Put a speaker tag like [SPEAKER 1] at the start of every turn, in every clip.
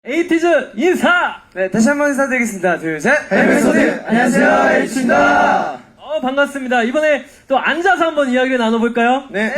[SPEAKER 1] 에이티즈 인사!
[SPEAKER 2] 네, 다시 한번 인사드리겠습니다. 둘, 셋.
[SPEAKER 3] 헬멧소님, 안녕하세요, 에이티즈입니다.
[SPEAKER 1] 반갑습니다. 이번에 또 앉아서 한번 이야기를 나눠볼까요?
[SPEAKER 2] 네.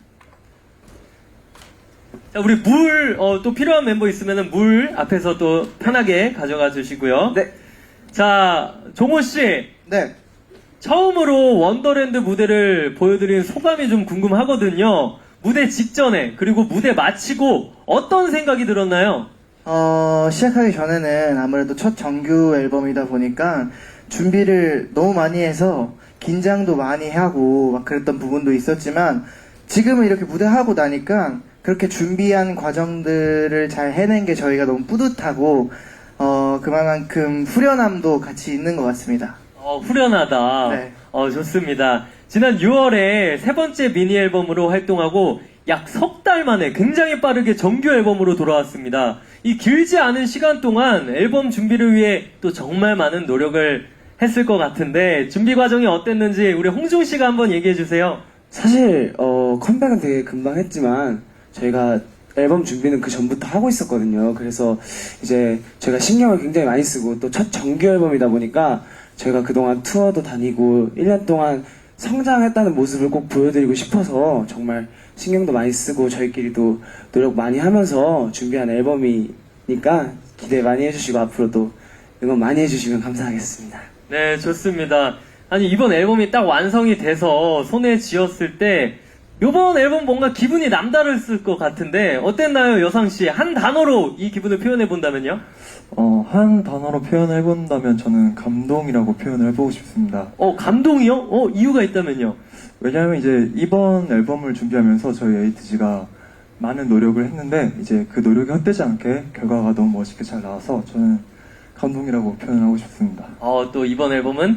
[SPEAKER 1] 자, 우리 물, 또 필요한 멤버 있으면 물 앞에서 또 편하게 가져가 주시고요.
[SPEAKER 2] 네.
[SPEAKER 1] 자, 종호씨.
[SPEAKER 3] 네.
[SPEAKER 1] 처음으로 원더랜드 무대를 보여드린 소감이 좀 궁금하거든요. 무대 직전에, 그리고 무대 마치고 어떤 생각이 들었나요?
[SPEAKER 3] 시작하기 전에는 아무래도 첫 정규 앨범이다 보니까 준비를 너무 많이 해서 긴장도 많이 하고 막 그랬던 부분도 있었지만 지금은 이렇게 무대하고 나니까 그렇게 준비한 과정들을 잘 해낸 게 저희가 너무 뿌듯하고 그만큼 후련함도 같이 있는 것 같습니다.
[SPEAKER 1] 후련하다.
[SPEAKER 3] 네.
[SPEAKER 1] 좋습니다. 지난 6월에 세 번째 미니 앨범으로 활동하고 약 석 달 만에 굉장히 빠르게 정규 앨범으로 돌아왔습니다. 이 길지 않은 시간 동안 앨범 준비를 위해 또 정말 많은 노력을 했을 것 같은데 준비 과정이 어땠는지 우리 홍중 씨가 한번 얘기해 주세요.
[SPEAKER 2] 사실, 컴백은 되게 금방 했지만, 저희가 앨범 준비는 그 전부터 하고 있었거든요. 그래서 이제 저희가 신경을 굉장히 많이 쓰고, 또 첫 정규 앨범이다 보니까, 저희가 그동안 투어도 다니고, 1년 동안 성장했다는 모습을 꼭 보여드리고 싶어서, 정말 신경도 많이 쓰고, 저희끼리도 노력 많이 하면서 준비한 앨범이니까, 기대 많이 해주시고, 앞으로도 응원 많이 해주시면 감사하겠습니다.
[SPEAKER 1] 네, 좋습니다. 아니, 이번 앨범이 딱 완성이 돼서 손에 쥐었을 때, 이번 앨범 뭔가 기분이 남다르실 것 같은데, 어땠나요, 여상씨? 한 단어로 이 기분을 표현해 본다면요?
[SPEAKER 4] 한 단어로 표현해본다면 저는 감동이라고 표현을 해보고 싶습니다.
[SPEAKER 1] 감동이요? 이유가 있다면요?
[SPEAKER 4] 왜냐하면 이제 이번 앨범을 준비하면서 저희 에이티즈가 많은 노력을 했는데 이제 그 노력이 헛되지 않게 결과가 너무 멋있게 잘 나와서 저는 감동이라고 표현하고 싶습니다.
[SPEAKER 1] 또 이번 앨범은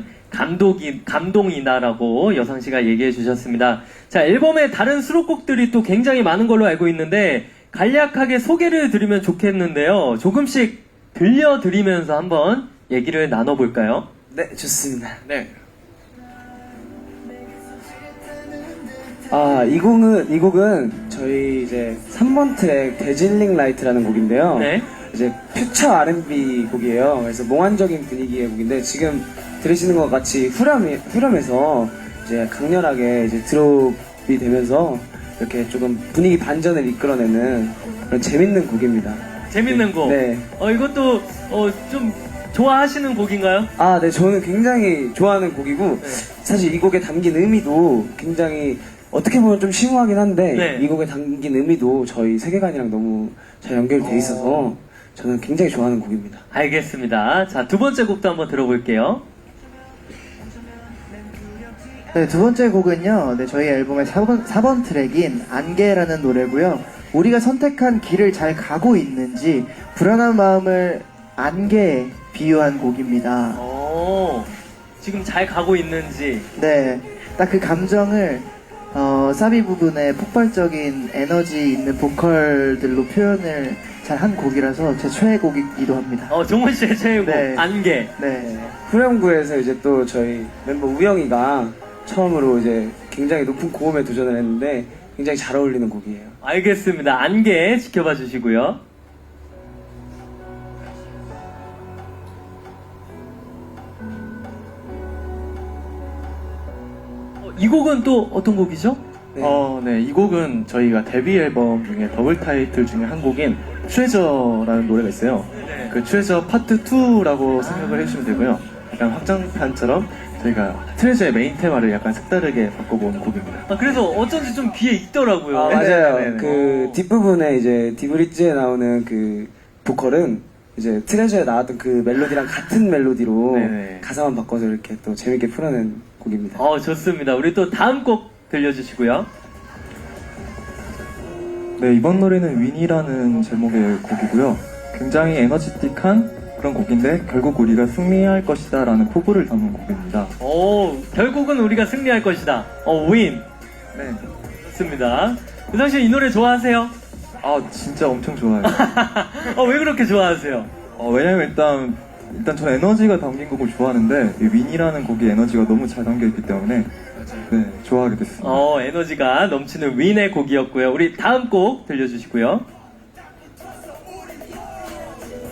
[SPEAKER 1] 감동이다라고 여상씨가 얘기해 주셨습니다. 자, 앨범의 다른 수록곡들이 또 굉장히 많은 걸로 알고 있는데 간략하게 소개를 드리면 좋겠는데요. 조금씩 들려드리면서 한번 얘기를 나눠볼까요?
[SPEAKER 2] 네, 좋습니다.
[SPEAKER 1] 네.
[SPEAKER 2] 이 곡은 저희 이제 3번 트랙 데질링 라이트라는 곡인데요.
[SPEAKER 1] 네.
[SPEAKER 2] 이제 퓨처 R&B 곡이에요. 그래서 몽환적인 분위기의 곡인데 지금 들으시는 것 같이 후렴에서 이제 강렬하게 이제 드롭이 되면서 이렇게 조금 분위기 반전을 이끌어내는 그런 재밌는 곡입니다.
[SPEAKER 1] 재밌는 곡.
[SPEAKER 2] 네.
[SPEAKER 1] 이것도 좀 좋아하시는 곡인가요?
[SPEAKER 2] 네, 저는 굉장히 좋아하는 곡이고
[SPEAKER 1] 네.
[SPEAKER 2] 사실 이 곡에 담긴 의미도 굉장히 어떻게 보면 좀 심오하긴 한데
[SPEAKER 1] 네.
[SPEAKER 2] 이 곡에 담긴 의미도 저희 세계관이랑 너무 잘 연결돼 있어서 저는 굉장히 좋아하는 곡입니다.
[SPEAKER 1] 알겠습니다. 자, 두 번째 곡도 한번 들어볼게요.
[SPEAKER 3] 네, 두 번째 곡은요, 네, 저희 앨범의 4번 트랙인 안개라는 노래고요. 우리가 선택한 길을 잘 가고 있는지 불안한 마음을 안개에 비유한 곡입니다.
[SPEAKER 1] 지금 잘 가고 있는지.
[SPEAKER 3] 네, 딱 그 감정을 사비 부분에 폭발적인 에너지 있는 보컬들로 표현을 잘 한 곡이라서 제 최애곡이기도 합니다.
[SPEAKER 1] 종원 씨의 최애곡
[SPEAKER 3] 네.
[SPEAKER 1] 안개.
[SPEAKER 3] 네.
[SPEAKER 2] 후렴구에서 이제 또 저희 멤버 우영이가 처음으로 이제 굉장히 높은 고음에 도전을 했는데 굉장히 잘 어울리는 곡이에요.
[SPEAKER 1] 알겠습니다. 안개 지켜봐 주시고요. 이 곡은 또 어떤 곡이죠?
[SPEAKER 4] 네, 이 곡은 저희가 데뷔 앨범 중에 더블 타이틀 중에 한 곡인 트레저라는 노래가 있어요.
[SPEAKER 1] 네.
[SPEAKER 4] 그 트레저 파트 2라고 생각을 해주시면 되고요. 약간 확장판처럼 저희가 트레저의 메인 테마를 약간 색다르게 바꿔본 곡입니다.
[SPEAKER 1] 그래서 어쩐지 좀 귀에 익더라고요.
[SPEAKER 2] 맞아요.
[SPEAKER 4] 네네네.
[SPEAKER 2] 그 뒷부분에 이제 디브리지에 나오는 그 보컬은 이제 트레저에 나왔던 그 멜로디랑 같은 멜로디로
[SPEAKER 4] 네네.
[SPEAKER 2] 가사만 바꿔서 이렇게 또 재밌게 풀어낸 곡입니다.
[SPEAKER 1] 좋습니다. 우리 또 다음 곡 들려주시고요.
[SPEAKER 4] 네, 이번 노래는 윈이라는 제목의 곡이고요. 굉장히 에너지틱한 그런 곡인데 결국 우리가 승리할 것이다 라는 포부를 담은 곡입니다.
[SPEAKER 1] 결국은 우리가 승리할 것이다. 윈.
[SPEAKER 4] 네.
[SPEAKER 1] 좋습니다. 유상씨 이 노래 좋아하세요?
[SPEAKER 4] 진짜 엄청 좋아요.
[SPEAKER 1] 왜 그렇게 좋아하세요?
[SPEAKER 4] 왜냐면 일단 저는 에너지가 담긴 곡을 좋아하는데 이 윈이라는 곡이 에너지가 너무 잘 담겨있기 때문에 네, 좋아하게 됐습니다.
[SPEAKER 1] 에너지가 넘치는 윈의 곡이었고요. 우리 다음 곡 들려주시고요.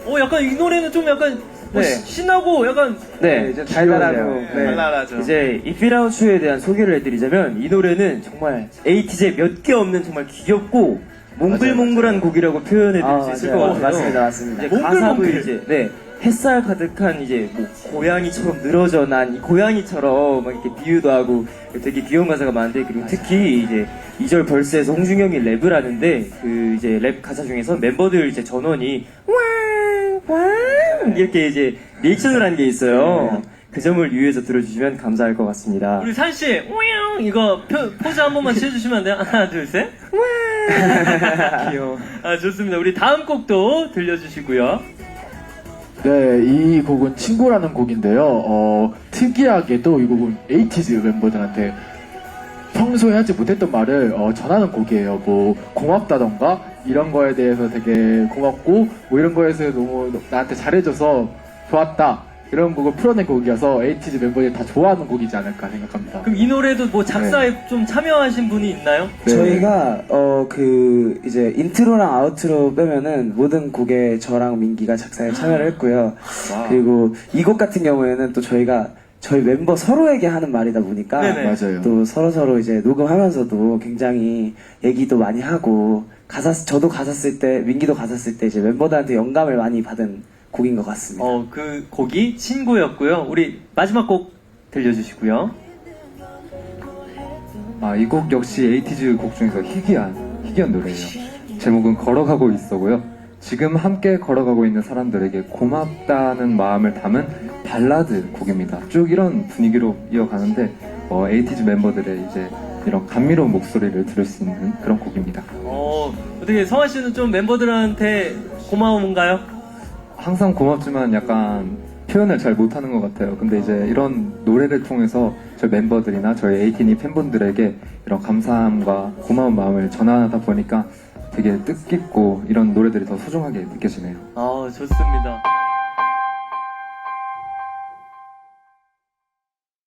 [SPEAKER 1] 약간 이 노래는 좀 약간
[SPEAKER 2] 네.
[SPEAKER 1] 신나고 약간
[SPEAKER 2] 네, 좀 달달하고. 네.
[SPEAKER 3] 달달하죠.
[SPEAKER 2] 이제 이 Feel Out You에 대한 소개를 해드리자면 이 노래는 정말 에이티즈에 몇 개 없는 정말 귀엽고 몽글몽글한 곡이라고 표현해드릴 수 있을 것 같아요. 맞습니다, 맞습니다. 이제 가사도
[SPEAKER 1] 몽글몽글.
[SPEAKER 2] 이제 네 햇살 가득한 이제 뭐 고양이처럼 늘어져 난 이 고양이처럼 막 이렇게 비유도 하고 되게 귀여운 가사가 많은데 그리고 특히 이제 2절 벌스에서 홍중영이 랩을 하는데 그 이제 랩 가사 중에서 멤버들 이제 전원이 왕 이렇게 이제 리액션을 한 게 있어요. 그 점을 유의해서 들어주시면 감사할 것 같습니다.
[SPEAKER 1] 우리 산씨 이거 포즈 한 번만 취해주시면 안 돼요? 하나 둘 셋.
[SPEAKER 2] 귀여워.
[SPEAKER 1] 좋습니다. 우리 다음 곡도 들려주시고요.
[SPEAKER 5] 네, 이 곡은 친구라는 곡인데요. 특이하게도 이 곡은 에이티즈 멤버들한테 평소에 하지 못했던 말을 전하는 곡이에요. 뭐 고맙다던가 이런 거에 대해서 되게 고맙고 뭐 이런 거에서 너무 나한테 잘해줘서 좋았다 이런 곡을 풀어낸 곡이어서 에이티즈 멤버들이 다 좋아하는 곡이지 않을까 생각합니다.
[SPEAKER 1] 그럼 이 노래도 뭐 작사에 좀 참여하신 분이 있나요?
[SPEAKER 5] 네.
[SPEAKER 2] 저희가 그 이제 인트로랑 아우트로 빼면은 모든 곡에 저랑 민기가 작사에 참여를 했고요. 그리고 이 곡 같은 경우에는 또 저희가 저희 멤버 서로에게 하는 말이다 보니까
[SPEAKER 1] 네네.
[SPEAKER 5] 맞아요.
[SPEAKER 2] 또 서로 이제 녹음하면서도 굉장히 얘기도 많이 하고 저도 가사 쓸 때 민기도 가사 쓸 때 이제 멤버들한테 영감을 많이 받은 곡인 것 같습니다.
[SPEAKER 1] 그 곡이 친구였고요. 우리 마지막 곡 들려주시고요.
[SPEAKER 6] 이 곡 역시 에이티즈 곡 중에서 희귀한 노래예요. 제목은 걸어가고 있어고요. 지금 함께 걸어가고 있는 사람들에게 고맙다는 마음을 담은 발라드 곡입니다. 쭉 이런 분위기로 이어가는데 에이티즈 멤버들의 이제 이런 감미로운 목소리를 들을 수 있는 그런 곡입니다.
[SPEAKER 1] 어떻게 성환 씨는 좀 멤버들한테 고마운가요?
[SPEAKER 6] 항상 고맙지만 약간 표현을 잘 못하는 것 같아요. 근데 이제 이런 노래를 통해서 저희 멤버들이나 저희 에이티니 팬분들에게 이런 감사함과 고마운 마음을 전하다 보니까 되게 뜻깊고 이런 노래들이 더 소중하게 느껴지네요.
[SPEAKER 1] 좋습니다.